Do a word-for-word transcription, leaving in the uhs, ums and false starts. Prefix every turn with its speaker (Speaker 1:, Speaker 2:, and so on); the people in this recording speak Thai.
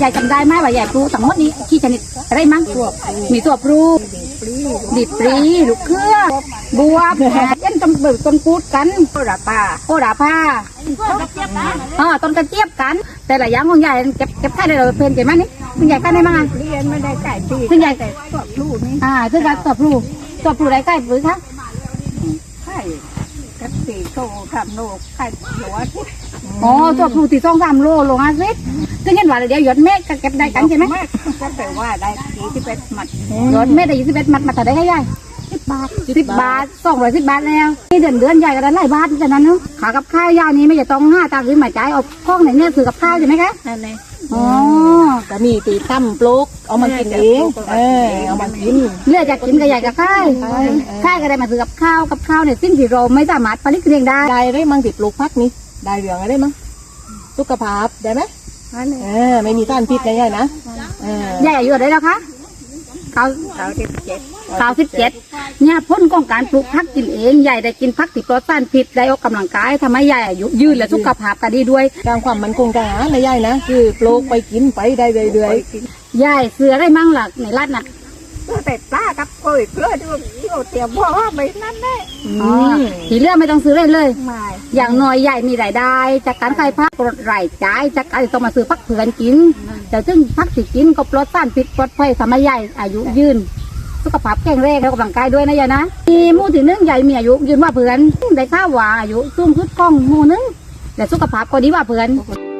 Speaker 1: ยายจำได้ไหมว่ายายปลูกทั้งหมดนี้กี่ชนิดอะไรมั้งมีตัวปลูกดิบปรีลูกเครือบัวยันต้นเบิกต้นกูดกันโอราปาโอราปาอ๋อต้นกระเจี๊ยบกันแต่ละอย่างของยายเก็บเก็บค่ายได้เลยเพลินเก็บมั้ยนี่คุณยายค่ายได้มั้งเรียนไม่ได้ใกล้ปีคุณยายแต่ตัวปลูกนี่อ่าซึ่งการตัวปลูกตัวปลูกได้ใกล้หรือคะใช่กับสี่โตทำโลไข่หัวทิศอ๋อตัวปลูกตีสองสามโลโลห้าสิบซึ่งเห็นว่าเดี๋ยวหยดเม็ดก็เก็บได้กันใช่ไหมก็แปลว่าได้ยี่สิบเอ็ดมัดหยดเม็ดได้ยี่สิบเอ็ดมัดมาแต่ได้แค่ใหญ่สิบบาทสิบบาทสองร้อยสิบบาทแล้วนี่เดือนเดือนใหญ่ก็ได้หลายบาทฉะนั้นเนาะขากับข้าวยานี้ไม่จะต้องห้าตังค์หรือหมายใจเอาข้องไหนเนี่ยซื้อกับข้าวใช่ไหมคะนั่นเลยอ๋อแต่มีตีตั้มปลูกเอามากินเองเออเอามากินเลือกจากกินกับใหญ่กับข้าวข้าวก็ได้มาซื้อกับข้าวกับข้าวเนี่ยสิ่งที่เราไม่สามารถผลิตเองได้ได้ได้มั้งติดปลูกพักนี้ได้เหลืองอะไรมั้งสุขภาพได้ไหมเออไม่มีสารพิษใหญ่ๆนะใหญ่อายุเท่าไหร่แล้วคะเก้าเก้าสิบเจ็ดเก้าสิบเจ็ดเนี่ยพ้นของการปลูกพักกินเองใหญ่ได้กินพักติดปลอดสารพิษได้ออกกำลังกายทำให้ใหญ่อายุยืนและสุขภาพก็ดีด้วยการความมันคงจะหาในใหญ่นะคือปลูกไปกินไปได้เรื่อยๆใหญ่เสือได้มั่งหลักในรัฐน่ะแต่ปลากับกล้วยเกลือด้วยเตรียมพ่อไปนั่นแน่ทีเรื่องไม่ต้องซื้อเลยเลยอย่างน้อยใหญ่มีรายได้จากการขายพักลดรายจ่ายจากการต้องมาซื้อพักเผื่อนกินแต่ซึ่งพักสิกินก็ปลอดสารพิษปลอดภัยทำให้ใหญ่อายุยืนสุขภาพแข็งแรงแล้วกำลังกายด้วยนะยายนะมีหมู่ที่หนึ่งใหญ่มีอายุยืนว่าเผื่อนได้ข้าวหวานอายุสูงขึ้นกล้องหมู่นึงแต่สุขภาพก็ดีว่าเผื่อน